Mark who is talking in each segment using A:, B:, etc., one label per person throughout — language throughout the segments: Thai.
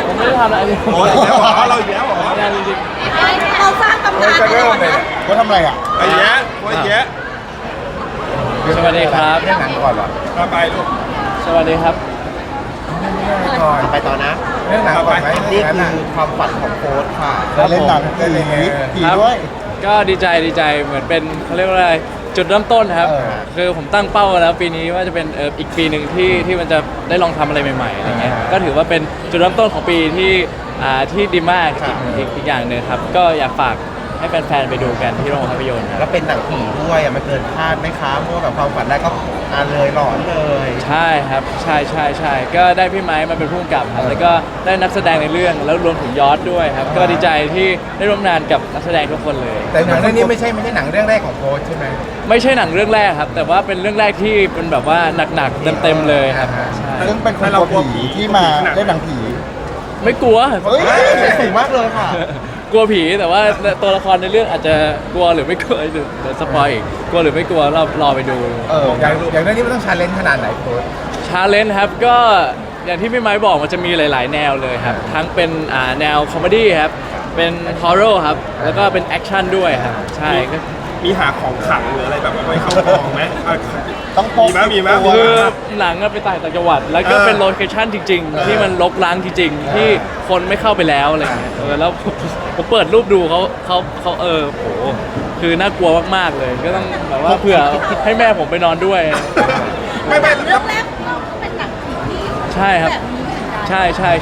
A: ผมไม่ได้ทำอะไร
B: โอ้ยอีกแล้วเหรอเราอีกแล้วเหรอ
A: ไม่ได้จริง
C: เราสร้างตำนาน
B: จะเริ่มเลย
D: ว่าทำอะไรอ่ะ
B: ไอ้แย่โอ้ยแย่
A: ๆสวัสดีครับ
D: เรื่องหนังก่อนเหรอ
B: มาไปลูก
A: สวัสดีครับ
D: ก่อน
E: ไปต่อนะ
D: เรื่องหนังก่อนไหม
E: นี่คือความฝันของโค้ชค่ะ
D: เล่นหนังเล่นอะไรผีด้วย
A: ก็ดีใจเหมือนเป็นเขาเรียกว่าอะไรจุดเริ่มต้นครับ
D: เออ
A: คือผมตั้งเป้าแล้วปีนี้ว่าจะเป็นอีกปีหนึ่งที่มันจะได้ลองทำอะไรใหม่ๆอะไรเงี้ยก็ถือว่าเป็นจุดเริ่มต้นของปีที่ดีมากอีกอย่างหนึ่งครับก็อยากฝากให้แฟนๆไปดูกันที่โรงภาพยนตร์ครับ
E: แล้วเป็นหนังผีด้วยมันเกินคาดไหมคะเพราะว่าแบบความฝันแรกก็เลยหลอนเลย
A: ใช่ครับใช่ก็ได้พี่ไม้มาเป็นผู้กำกับครับแล้วก็ได้นักแสดงในเรื่องแล้วรวมถึงยอดด้วยครับก็ดีใจที่ได้ร่วมงานกับนักแสดงทุกคนเลย
D: แต่หนังเรื่องนี้ไม่ใช่หนังเรื่องแรกของโค้ชใช่ไหม
A: ไม่ใช่หนังเรื่องแรกครับแต่ว่าเป็นเรื่องแรกที่เป็นแบบว่าหนักๆเต็มๆเลยครับใช่
D: ซึ่งเป็นคนกลัวผีที่มาเล่นหนังผี
A: ไม่กลัว
D: เฮ้ย
E: สูงมากเลยค่ะ
A: กลัวผีแต่ว่าตัวละครในเรื่องอาจจะกลัวหรือไม่กลัวเดี๋ยวสปอยอีกกลัวหรือไม่กลัวเรารอไปดู
D: อย่างเรื่องนี้มันต้องชาเลนจ์ขนาดไหนโค้ช
A: ชาเลนจ์ครับก็อย่างที่พี่ไม้บอกมันจะมีหลาย ๆ แนวเลยครับทั้งเป็นแนวคอมเมดี้ครับเป็นฮอร์เรอร์ครับแล้วก็เป็นแอคชั่นด้วยครับใช่ก็
B: มีหาของขลังหรืออะไรแบบไว้เข้ากองไหม
D: ต้องพก
B: มีไหม
A: คือหนังอะไปต่างจังหวัด แล้วก็เป็นโลเคชั่นจริง ๆ ที่มันรกร้างจริง ๆ ที่คนไม่เข้าไปแล้วอะไรเงี้ยแล้วผมเปิดรูปดูเขาโหคือน่ากลัวมากๆเลย ก็ต้องแบบว่าเผื่อให้แม่ผมไปนอนด้วย
B: ไม่
C: เรื่องแรกของเราก็เป็นหนังผีที่
A: ใช่ครับ
C: แบบนี้เหมือนกัน
A: ใช่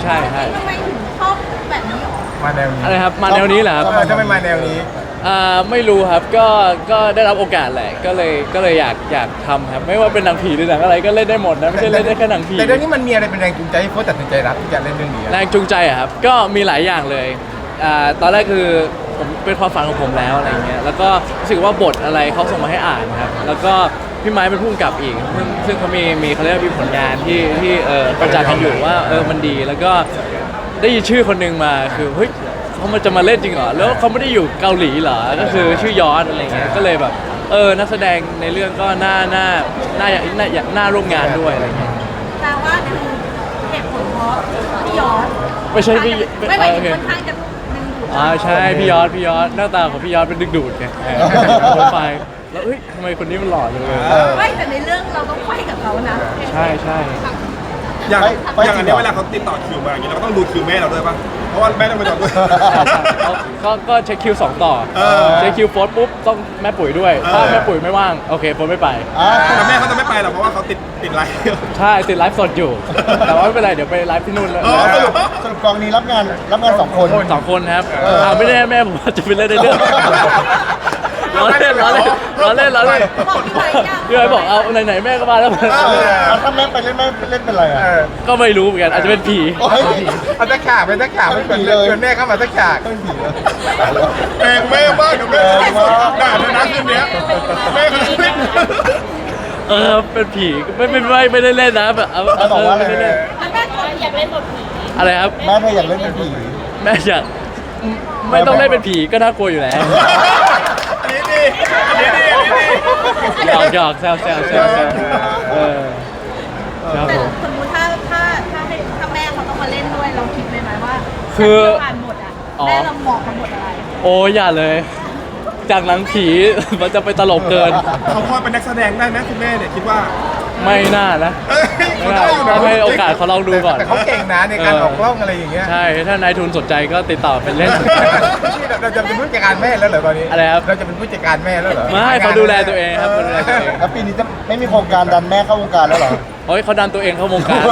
C: ทำไมถึงชอบแบบนี้หรอ
D: มาแนวนี้
A: อะไรครับมาแนวนี้เหรอครับ
D: ทำไมมาแนวนี้
A: ไม่รู้ครับก็ได้รับโอกาสแหละก็เลยอยากทำครับไม่ว่าเป็นหนังผีหรือหนังอะไรก็เล่นได้หมดนะไม่ใช่เล่นได้แค่หนังผี
D: แต่เรื่องนี้มันมีอะไรเป็นแรงจูงใจให้โค้ชตัดสินใจรับที่จะเล่นเรื่องนี้
A: แรงจูงใจอะครับก็มีหลายอย่างเลยตอนแรกคือผมเป็นความฝันของผมแล้วอะไรเงี้ยแล้วก็รู้สึกว่าบทอะไรเขาส่งมาให้อ่านครับแล้วก็พี่ไม้เป็นผู้กำกับอีกซึ่งเขามีเขาเรียกว่ามีผลงานที่ประจักษ์กันอยู่ว่ามันดีแล้วก็ได้ยินชื่อคนหนึงมาคือเฮ้ยเขามันจะมาเล่นจริงเหรอแล้วเขาไม่ได้อยู่เกาหลีเหรอก็คือชื่อยอดอะไรเงี้ยก็เลยแบบนักแสดงในเรื่องก็น่าร่วมงานด้วยอะไรเงี้ย
C: แต่ว่าคือเหตุผลเพราะพี่ยอด
A: ไม่ใช่พี่
C: ไม่
A: โอเค
C: ค่อนข้างจะดึงดูด
A: ใช่พี่ยอดหน้าตาของพี่ยอดเป็นดึกดูดไงโปรไฟล์แล้วเฮ้ยทำไมคนนี้มันหล่อจังเลย
C: ไม่แต่ในเรื่องเราต้องไขว้กับเขานะ
A: ใช่
B: อย่างอันนี้เวลาเขาติดต่อคิวมาอย่างนี้เราก็ต้องดูคิวแม่เราด้วยป่ะเพราะว่าแม่ต้องไปนอนด้วย
A: ก็เช็คคิว2ต่อ
B: เออ
A: เช็คคิวโฟร์ปุ๊บต้องแม่ปุ๋ยด้วยถ้าแม่ปุ๋ยไม่ว่างโอเคโฟร์ไม่ไป
B: แต่แม่เขาจะไม่ไปหรอกเพราะว่าเขาติดไลฟ์
A: ใช่ติดไลฟ์สดอยู่ แต่ว่าไม่เป็นไรเดี๋ยวไปไลฟ์ที่นู่นแล้ว
D: สรุปกองนี้รับงานสองคน
A: สองคนครับไม่ได้แม่ผมจะไปเล่นในเรื่องล้อเล่น
C: บอกพี่ไว้ยัง
A: พี่ไว้บอกเอาไหนๆแม่ก็มาแล้ว
D: ถ้าแม่ไปเล่นเป็นไรอ่ะ
A: ก็ไม่รู้เหมือนกันอาจจะเป็นผี
D: เอาตะขาบเป็นตะขาบเป็นผีเลยแม่เข้ามาตะขาบเป็นผีเลย
B: แม่แม่มากเดี๋ยวแม่ด่าเธอนะคืนนี้แม่เขาจะไม่
A: เป็นผีไม่ได้เล่นนะแบบไม่ได้เล่น
C: แล้วแม่ก็อยากเล่นบทผี
A: อะไรครับ
D: แม่เธออยากเล่นเป็นผี
A: แม่อยากไม่ต้องเล่นเป็นผีก็น่ากลัวอยู่แล้ว
B: อันนี้ดี
A: หยอกแซวครับ
C: แต่
A: ผม
C: สมมติถ้าแม่เขาต้องมาเล่นด้วยเราคิดไหมว่า
A: คือ
C: อ่านบทอ่ะแม่เราเหมาะกับบทอะไร
A: โอ้อย่าเลย จากหนังผีมันจะไปตลกเกิน
B: เขาพอเป็นนักแสดงได้ไหมคุณแม่เนี่ยคิดว่า
A: ไม่น่านะไม่น่าต้องให้โอกาสเขาลองดูก่อน
D: แต่เขาเก่งนะในการออกกล้องอะไรอย่างเงี้ย
A: ใช่ถ้านายทุนสนใจก็ติดต่อเป็นเล่น
D: เราจะเป็นผู้จัดการแม่แล้วเหรอตอนนี้
A: อะไรครับ
D: เราจะเป็นผู้จัดการแม่แล้วเหรอ
A: ไม่เขาดูแลตัวเองครับเขาดูแลตัวเอง
D: แล้วปีนี้จะไม่มีโครงการดันแม่เข้าวงการแล้วเหรอ
A: เฮ้ยเขาดันตัวเองเข้าวงการ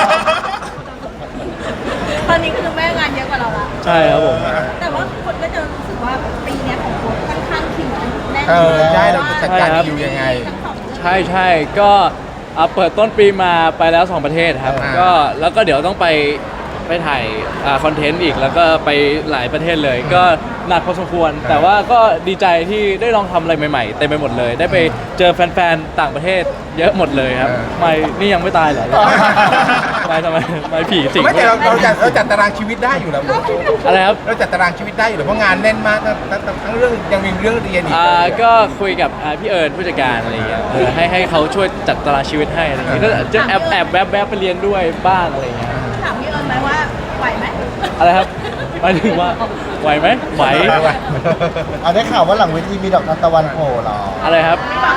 C: ตอนนี้คือแม่งานเยอะกว่าเราละ
A: ใช่ครับผม
C: แต่ว่าคนก็จะรู้สึกว่าปีเนี้ยของโค้ชค่อนข้างคิวแน่น
D: ใช่เราจะจัดการคิวยังไง
A: ใช่ก็เปิดต้นปีมาไปแล้ว 2 ประเทศครับ ก็แล้วก็เดี๋ยวต้องไปถ่ายคอนเทนต์อีกแล้วก็ไปหลายประเทศเลย ก็หนักพอสมควร แต่ว่าก็ดีใจที่ได้ลองทำอะไรใหม่ๆเต็มไปหมดเลย ได้ไปเจอแฟนๆต่างประเทศเยอะหมดเลยครับไม่นี่ยังไม่ตายเหรอทำไมผีสิง
D: ไม่แต่เราจัดตารางชีวิตได้อยู่แล้ว
A: อะไรครับ
D: เราจัดตารางชีวิตได้อยู่แล้วเพราะงานแน่นมากทั้งเรื่องยังมีเรื่องเรียนอีก
A: ก็คุยกับพี่เอิญผู้จัดการอะไรอย่างเงี้ยให้เขาช่วยจัดตารางชีวิตให้อะไรอย่างเงี้ยก็จะแอบแวบไปเรียนด้วยบ้างอะไรอย่างเงี้ย
C: ถามพี่เอิญไหมว่าไหวไหม
A: อะไรครับหมายถึงว่าไหวไหมไหว
E: ได้ข่าวว่าหลังเวทีมีดอกทานตะวันโผล่เหรอ
A: อะไรครับ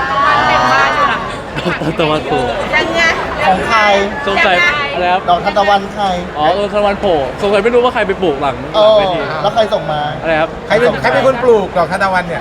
A: ตะวันโผล่
C: ยังไง
E: ของใคร
A: สงสัยอะไรครับ
E: ดอกทานตะวันใคร
A: อ๋อตะวันโผล่สงสัยไม่รู้ว่าใครไปปลูกหลัง
E: เออ
A: เวที
E: แล้วใครส่งมา
A: อะไรครับ
D: ใครเป็นคนปลูกดอกทานตะวันเนี่ย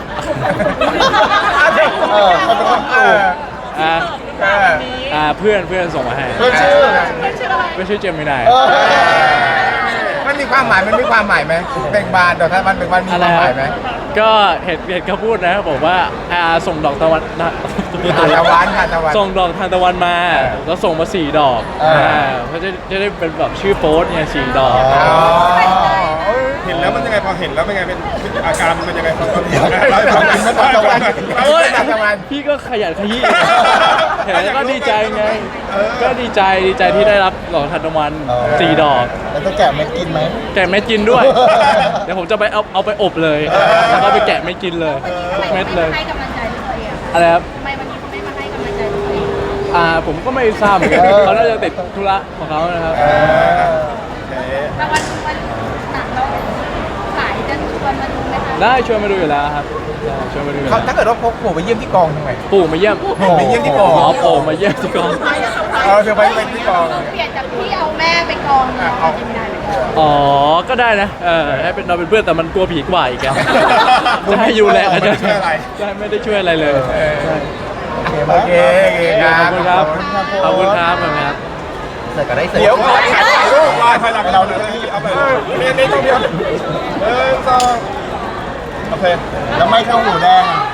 E: เออใครเป็นคนปลูก
A: อ่า
D: เออ
A: เพื่อนส่งมาให้
E: เพื่อนชื่อ
A: เพื่อนชื่อเจมินาย
E: เออ
D: มันมีความหมายไหมเบ่งบานดอกทานตะวันเบ่งบานมีความหมายไหม
A: ก็เห็นเขาพูดนะบอกว่าส่งดอกตะวันนะ
D: ทานตะวันทานตะวัน
A: ส่งดอกทานตะวันมา
D: เออ
A: แล้วส่งมา4 ดอก
E: เออ
A: เขาจะได้เป็นแบบชื่อโพสต์เนี่ย4 ดอก
D: อ๋อ
B: เห็นแล้วมันยังไงพอเห็นแล้วเป็นไงเป็นอาการมันยังไงพอเห็น
E: ตะวัน
A: โอ้ย
D: ทานตะวัน
A: พี่ก็ขยันขยี้เห็นแล้วก็ดีใจไง ก็ดีใจที่ได้รับดอกทานตะวัน4 ดอก
E: แล้วจะแกะไม่กินไหม
A: แกะเม็ดกินด้วย เดี๋ยวผมจะไปเอาไปอบเลย แล้วก็ไปแกะเม็ดกินเลยทุกเม็ดเลย
C: ให้กำลังใจตัวเอง
A: อะไรครับ
C: ทำไมวันนี้เขาไม่มาให้กำลังใจตัวเอง
A: ผมก็ไม่ทราบเหมือนกันเขาน่าจะติดธุระของเขานะครับ
C: แต่วันหนังเราขายจะชวนมาดูไหมคะ
A: ได้ชวนมาดูอยู่แล้วครับได้ชวนมาดูอยู่
D: เขา
A: แล้ว
D: ถ้าเกิดว่าพกโผล่ไปเยี่ยมที่กองทำไง
A: ปู่มาเยี่ยม
D: ไปเยี่ยมที่กอง
A: อ๋อปู่มาเยี่ยมที่กอง
D: เธอไปที่กอง
C: เปลี่ยนจากพี่เอาแม่ไปกองมาเอาจิมินายไปกอง
A: อ๋อ ก็ได้นะ ให้เป็นเราเป็นเพื่อนแต่มันกลัวผีกว่าอีกอะจะให้ยูแลกันจะใช่ไม่ได้ช่วยอะไรเลย
D: โอเคค
A: ข
D: รั
A: อบบ คุณครับ ขอบคุณครับขอบคุณครับ
E: เสร็จก็ได้เสร็จ
D: เดี๋ยวก่อนถ่ายรูป
B: ลายภายหลังเราเลยเอาไปนี่ต้องเดียว1 2โอเค
E: แล้วไม่เข้าหูแดงอะ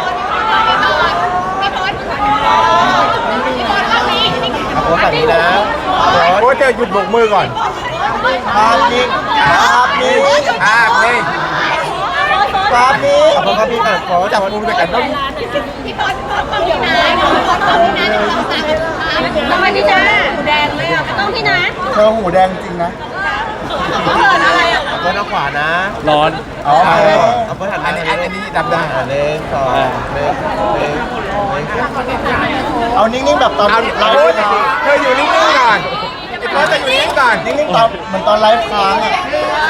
C: พี่พอดพี่พอดรอบนี้
E: เอาโพสต์แบบนี้นะ
D: โอ้เจอหยุดโบกมือก่อน
E: ภาพนี้ภาพนี้
D: นี่
E: ภาพนี้ขอบคุณครับพี่ก่อนขอจับมือด้วยกันต้อง
C: พี่พอดต้องพี่นะต้องพี่นะต้องพี่นะหูแดงเลยอ่ะต้องพี่นะ
E: เธอหูแดงจริงนะ
C: เขาเหินอะไรอ่ะ
E: เพื่อนเอาขวานะ
A: ร้อน
E: อ๋อ
D: เอาเพื่อนหันอันนี้ดำได้
E: หนึ่งสองเอานิ่งๆแบบตอน
D: เอา
E: ไล
D: เรา
E: ฟ์
D: เธออยู่นิ่งๆก่อนไอ้เพื่อนจะอยู่นิ่งๆก่อน
E: นิ่งๆตอนเหมือนตอนไลฟ์ค้างอ่ะ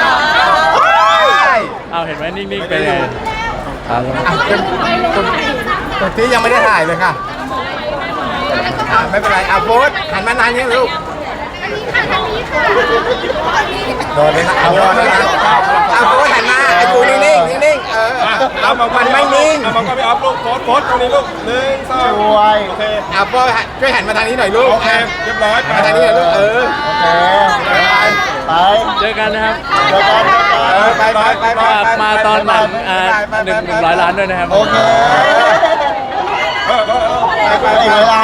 A: เอาเห็นไหมนิ่งๆเป็นไงครับ
D: ตัวที่ยังไม่ได้ถ่ายเลยค่ะไม่เป็นไรเอาโพสหันมานานยังลูก
C: ทางนี้ค่ะ
D: โดนเลยนะเอาโดนเลยนะเอาโพสหันมาไอ้กูนิ่งๆนิ่งๆมันไม่นิ่ง
B: มันก็ไม่อัพลูกโพสตรงนี้ลูก1 2
E: ช่วย
B: โอเค
D: เอาโพสช่วยหันมาทางนี้หน่อยลูก
B: โอเคเรียบร้อย
D: มาทางนี้หน่อยลูก
E: โอเคไป
A: เจอกันนะครับ
E: เจอกัน
D: ไป
A: มาตอนหนัง100 ล้านด้วยนะครับ
E: โอเค
B: ไป
E: อีกเวลา